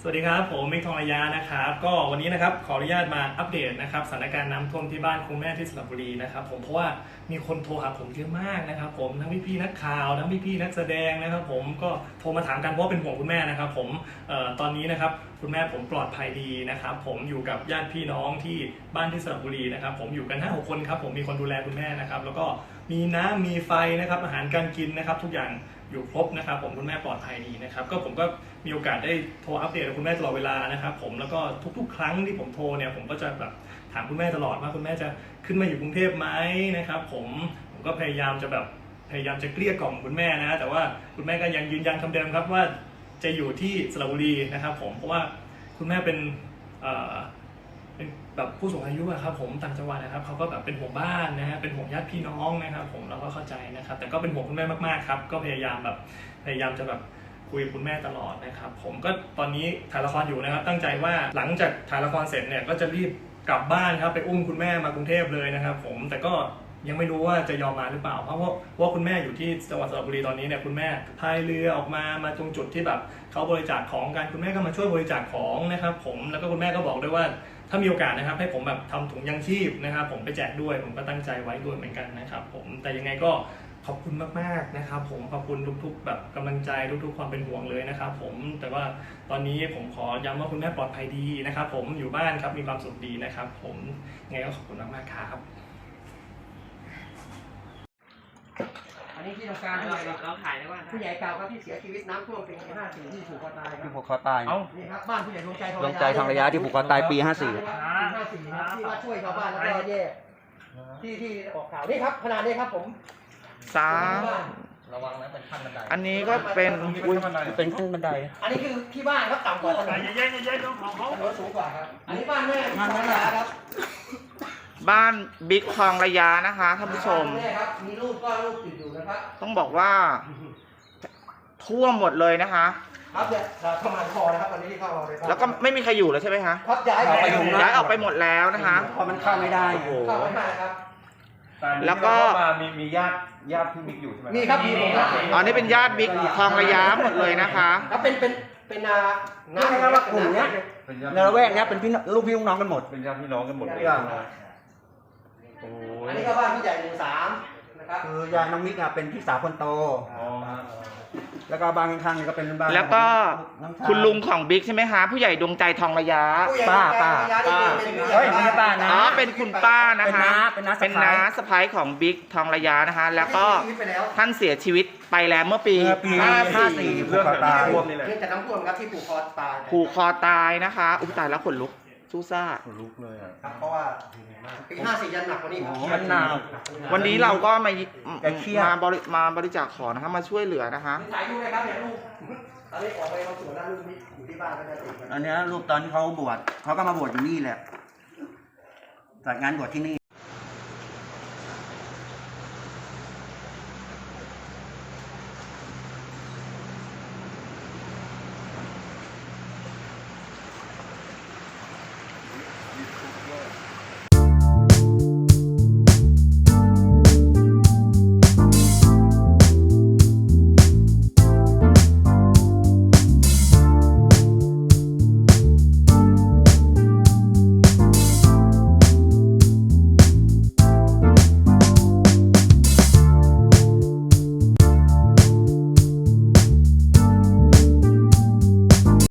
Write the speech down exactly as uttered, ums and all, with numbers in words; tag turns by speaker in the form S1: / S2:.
S1: สวัสดีครับผมมิกทองระยะนะครับก็วันนี้นะครับขออนุญาตมาอัปเดตนะครับสถานการณ์น้ำท่วมที่บ้านคุณแม่ที่สระบุรีนะครับผมเพราะว่ามีคนโทรหาผมเยอะมากนะครับผมทั้งพี่ๆนักข่าวทั้งพี่ๆนักแสดงนะครับผมก็โทรมาถามกันเพราะเป็นห่วงคุณแม่นะครับผมเอ่อตอนนี้นะครับคุณแม่ผมปลอดภัยดีนะครับผมอยู่กับญาติพี่น้องที่บ้านที่สระบุรีนะครับผมอยู่กันห้าหกคนครับผมมีคนดูแลคุณแม่นะครับแล้วก็มีน้ำมีไฟนะครับอาหารการกินนะครับทุกอย่างอยู่ครบนะครับผมคุณแม่ปลอดภัยดีนะครับก็ผมก็มีโอกาสได้โทรอัปเดตกับคุณแม่ตลอดเวลานะครับผมแล้วก็ทุกๆ ครั้งที่ผมโทรเนี่ยผมก็จะแบบถามคุณแม่ตลอดว่าคุณแม่จะขึ้นมาอยู่กรุงเทพไหมนะครับผมผมก็พยายามจะแบบพยายามจะเกลี้ยกล่อมคุณแม่นะแต่ว่าคุณแม่ก็ยังยืนยันคำเดิมครับว่าจะอยู่ที่สระบุรีนะครับผมเพราะว่าคุณแม่เป็นเอ่อเป็นแบบผู้สูงอายุอะครับผมต่างจังหวัดนะครับเขาก็แบบเป็นห่วงบ้านนะฮะเป็นห่วงญาติพี่น้องนะครับผมเราก็เข้าใจนะครับแต่ก็เป็นห่วงคุณแม่มากๆครับก็พยายามแบบพยายามจะแบบคุยกับคุณแม่ตลอดนะครับผมก็ตอนนี้ถ่ายละครอยู่นะครับตั้งใจว่าหลังจากถ่ายละครเสร็จเนี่ยก็จะรีบกลับบ้านครับไปอุ้มคุณแม่มากรุงเทพเลยนะครับผมแต่ก็ยังไม่รู้ว่าจะยอมมาหรือเปล่าเพราะว่าว่าคุณแม่อยู่ที่จังหวัดสระบุรีตอนนี้เนี่ยคุณแม่พายเรือออกมามาตรงจุดที่แบบเขาบริจาคของกันคุณแม่ก็มาช่วยบริจาคของนะครับผมแล้วก็คุณแม่ก็บอกด้วยว่าถ้ามีโอกาสนะครับให้ผมแบบทำถุงยังชีพนะครับผมไปแจกด้วยผมก็ตั้งใจไว้ด้วยเหมือนกันนะครับผมแต่ยังไงก็ขอบคุณมากๆนะครับผมขอบคุณทุกๆแบบกำลังใจทุกๆความเป็นห่วงเลยนะครับผมแต่ว่าตอนนี้ผมขอย้ำว่าคุณแม่ปลอดภัยดีนะครับผมอยู่บ้านครับมีความสุขดีนะครับผมยังไงก็ขอบคุณมากๆครับ
S2: อันนี้ที่ทำการผู้ใหญ่เราถ่ายได้ว่าผู้ใหญ่เก่าครับที่เสียชีวิตน้ำท่วมปีห้าสี่ที่ผูกคอตายครับ
S3: ที่ผูกคอตาย
S2: นี่ครับบ้านผู้ใหญ่ดวงใจทอง
S3: ดวงใจทองระยะที่ผูกคอตายปีห้าสี่
S2: ปีห้าสี่ครับที่ว่าช่วยชาวบ้านแล้วก็แย่ที่ที่ออกข่าวนี่ครับขนาดนี้ครับผม
S4: สาม
S3: ระวังนะเป็นขั้นบันได
S4: อันนี้ก็เป็น
S3: อุ้ยเป็นขั้นบันได
S2: อันนี้คือที่บ้านครับต่ำกว่าถนน
S1: อย่าเย็นอย่าเย็นต้องของเขา
S2: ถนนสูงกว่าครับอันนี้บ้านแม่ทองระยะครับ
S4: บ้านบิ๊กทองระยะนะคะท่านผู้ชม
S2: แม่ครับมีรูปก็รูปติดอยู่นะครับ
S4: ต้องบอกว่าท่วมหมดเลยนะคะ
S2: ครับเนี่ยเข้ามาคอนะครับตอนนี้ที่เข้ามาในบ้าน
S4: แล้วก็ไม่มีใครอยู่แล้วใช่ไหมคะ
S2: ครับย้ายออกไปอยู่
S4: ย้ายออกไปหมดแล้วนะคะ
S3: เพราะมันเข้าไม่ได้โอ้โห
S2: เข้าไม่ได้ครับ
S4: แล้วก็
S5: มีมีญาติญาติพี่บิ๊กอยู่ใช่ไหม
S2: มีครับมีผมครับ
S4: อ๋อนี่เป็นญาติบิ๊กทองระยะหมดเลยนะคะ
S2: ครับเป็นเป็นเป็นนา
S3: นี่นะครับว่ากลุ่มเนี้ย
S5: เป็นญาติ
S3: ในละแวกเนี้ยเป็นพี่ลูกพี่ลูกน้องกันหมด
S5: เป็นญาติพี่น้องกันหมดเลย โอ้
S2: อัน
S5: ย
S2: นี้ก็บ้านผู้ใหญ่หมู่สามนะครับ
S3: คือยายน้องมิกอะเป็นพี่สาวคนโต
S5: อ๋อฮะ
S3: แล้วก็บ้านข้างๆนี่ก็เป็นบ้าน
S4: แล้วก็
S3: น้องชาย
S4: คุณลุงของบิ๊กใช่ไหมคะผู้ใหญ่ดวงใจทองระยะ
S2: ผู้ใหญ่
S3: ป้าป้า
S2: ป้า
S3: เฮ้ยไม่ใช่ป้านะ
S4: อ๋อเป็นคุณป้านะคะ
S3: เป็นน้าเป็
S4: เป็น
S3: นน้า
S4: น้าสะพ้ายของบิ๊กทองระยะนะคะ แล้วก็
S2: ชีวิตไปแล้ว
S4: ท่านเสียชีวิตไปแล้วเมื่อปี
S3: เมื่อปี
S4: ห้า
S3: ห้า
S4: สี่
S3: สี่
S5: เรื่องแบบนี้ท่วมนี่แหละ
S2: เรื่องจากน้ำท่วมครับที่ผูกคอตาย
S4: ผูกคอตายนะคะอุ้ยตายแล้วขนลุกสู้ซ่า
S5: ขนลุกเลยอ่ะ
S2: ครับเพราะว่าปีห้าสี่ยันหนักกว่านี้ครับ
S3: โอ้โหมันหนาว
S4: วันนี้เราก็มา
S3: แกเครียด
S4: มาบริมาบริจาคของนะคะมาช่วยเหลือนะคะ
S2: ถ่ายรูปเลยครับเนี่ยลูกตอนนี้ออกไปมาสวนแล้วลูกนี่อยู่ที่บ้านก็จะติดกัน
S3: อันเนี้ยรูปตอนที่เขาบวชเขาก็มาบวชอยู่นี่แหละจัดงานบวชที่นี่